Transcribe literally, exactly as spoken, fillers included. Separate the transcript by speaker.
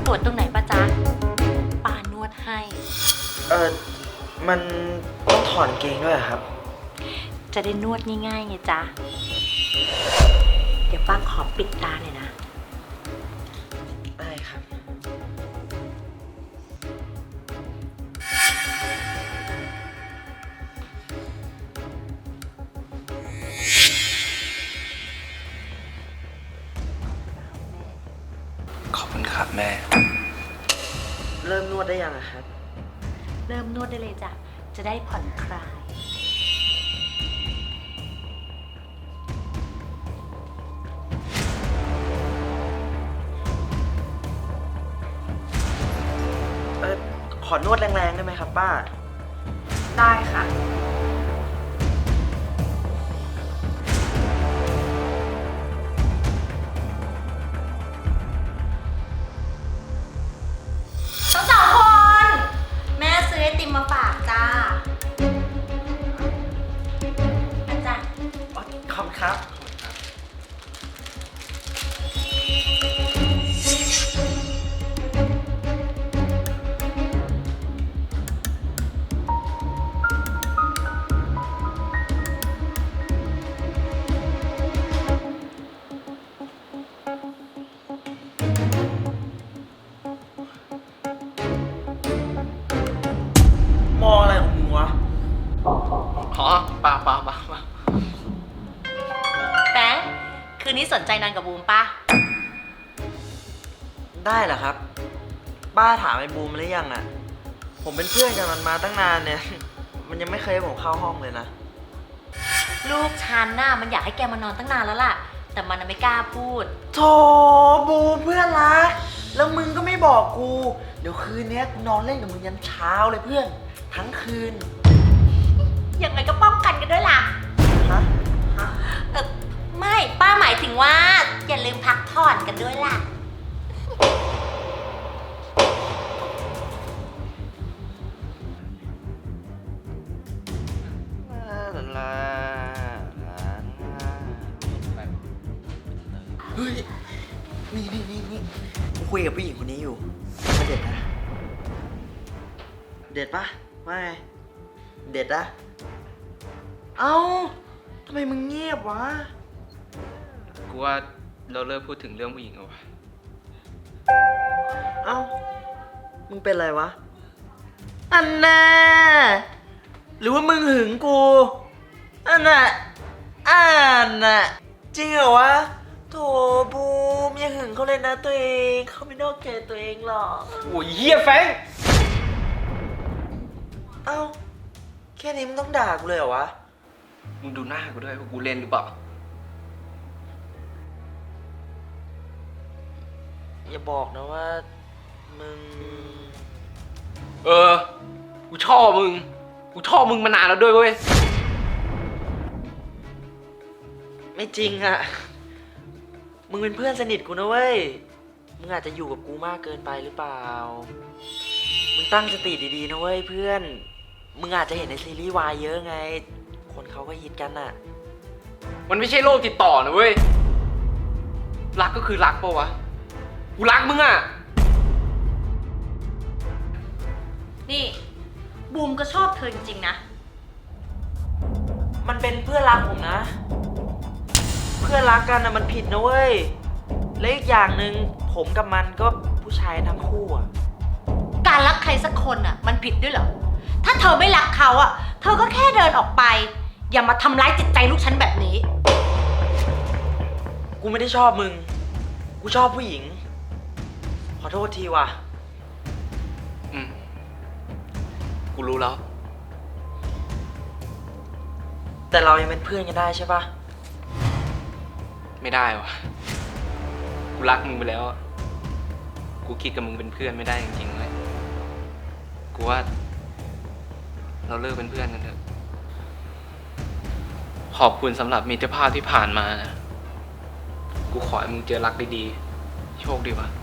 Speaker 1: วดตรงไหนปะจ๊ะป้านวดให้
Speaker 2: เออมันต้องถอนเกงด้วยเหรอครับ
Speaker 1: จะได้นวดง่ายๆไงจ๊ะ เดี๋ยวป้าขอปิดตาหน่อยนะ
Speaker 2: ได้ครับ
Speaker 3: ขอบคุณครับแม่
Speaker 2: เริ่มนวดได้ยังอะครับ
Speaker 1: เริ่มนวดได้เลยจ้ะ จะได้ผ่อนคลาย
Speaker 2: เออขอนวดแรงๆได้ไหมครับป้า
Speaker 1: ได้ค่ะ ทั้งสองคน แม่ซื้อไอติมมาฝากจ้าอาจารย์
Speaker 2: อ๋อ ขอบคุณครับ มองอะไรของมึงวะ
Speaker 3: อ๋อเปล่าเปล่าเปล่าเปล่า
Speaker 1: แบงค์คืนนี้สนใจนอนกับบูมปะ
Speaker 2: ได้เหรอครับ ป้าถามไอ้บูมหรือยังอะผมเป็นเพื่อนกับมันมาตั้งนานเนี่ย มันยังไม่เคยให้ผมเข้าห้องเลยนะ
Speaker 1: ลูกฉันน่ะมันอยากให้แกมานอนตั้งนานแล้วล่ะ แต่มันน่ะไม่กล้าพูด
Speaker 2: โถบูมเพื่อนรัก แล้วมึงก็ไม่บอกกู เดี๋ยวคืนนี้กูนอนเล่นกับมึงยันเช้าเลยเพื่อน ทั้งคืน
Speaker 1: ยังไงก็ป้องกันกันด้วยล่ะ
Speaker 2: ฮะ ฮะ
Speaker 1: เออไม่ป้าหมายถึงว่า อย่าลืมพักผ่อนกันด้วยล่ะ
Speaker 2: เฮ้ย นี่นี่นี่นี่กูคุยกับผู้หญิงคนนี้อยู่มาเด็ดนะ เด็ดปะว่าไง เด็ดอะเอ้าทำไมมึงเงียบวะ
Speaker 3: กูว่าเราเลิกพูดถึงเรื่องผู้หญิงเอาวะ
Speaker 2: เอ้า มึงเป็นไรวะ อันน่ะหรือว่ามึงหึงกู อันน่ะอันน่ะจริงเหรอวะ โถบูมอย่าหึงเขาเลยนะตัวเอง เขาไม่นอกใจตัวเองหรอก
Speaker 3: โอ้ยเฮียแฟง
Speaker 2: เอ้า แค่นี้มึงต้องด่ากูเลยเหรอวะ
Speaker 3: มึงดูหน้ากูด้วยว่ากูเล่นหรือเปล่า
Speaker 2: อย่าบอกนะว่า มึง
Speaker 3: เออ กูชอบมึง กูชอบมึงมานานแล้วด้วยเว้ย
Speaker 2: ไม่จริงอะมึงเป็นเพื่อนสนิทกูนะเว้ย มึงอาจจะอยู่กับกูมากเกินไปหรือเปล่า มึงตั้งสติดีๆนะเว้ยเพื่อน มึงอาจจะเห็นในซีรีส์วายเยอะไง คนเขาก็ฮิตกันอะ
Speaker 3: มันไม่ใช่โรคติดต่อนะเว้ย รักก็คือรักปะวะ กูรักมึงอ่ะ
Speaker 1: นี่ บูมก็ชอบเธอจริงๆนะ
Speaker 2: มันเป็นเพื่อนรักผมนะ เพื่อนรักกันอะมันผิดนะเว้ย และอีกอย่างหนึ่งผมกับมันก็ผู้ชายทั้งคู่อะ
Speaker 1: การรักใครสักคนอ่ะ มันผิดด้วยเหรอ ถ้าเธอไม่รักเขาอ่ะ เธอก็แค่เดินออกไป อย่ามาทำร้ายจิตใจลูกฉันแบบนี้
Speaker 2: กูไม่ได้ชอบมึง กูชอบผู้หญิง ขอโทษทีว่ะ
Speaker 3: อืม กูรู้แล้ว
Speaker 2: แต่เรายังเป็นเพื่อนกันได้ใช่ปะ
Speaker 3: ไม่ได้วะ กูรักมึงไปแล้วอะกูคิดกับมึงเป็นเพื่อนไม่ได้จริงๆเลย กูว่า เราเลิกเป็นเพื่อนกันเถอะ ขอบคุณสำหรับมิตรภาพที่ผ่านมานะ กูขอให้มึงเจอรักดีๆ โชคดีวะ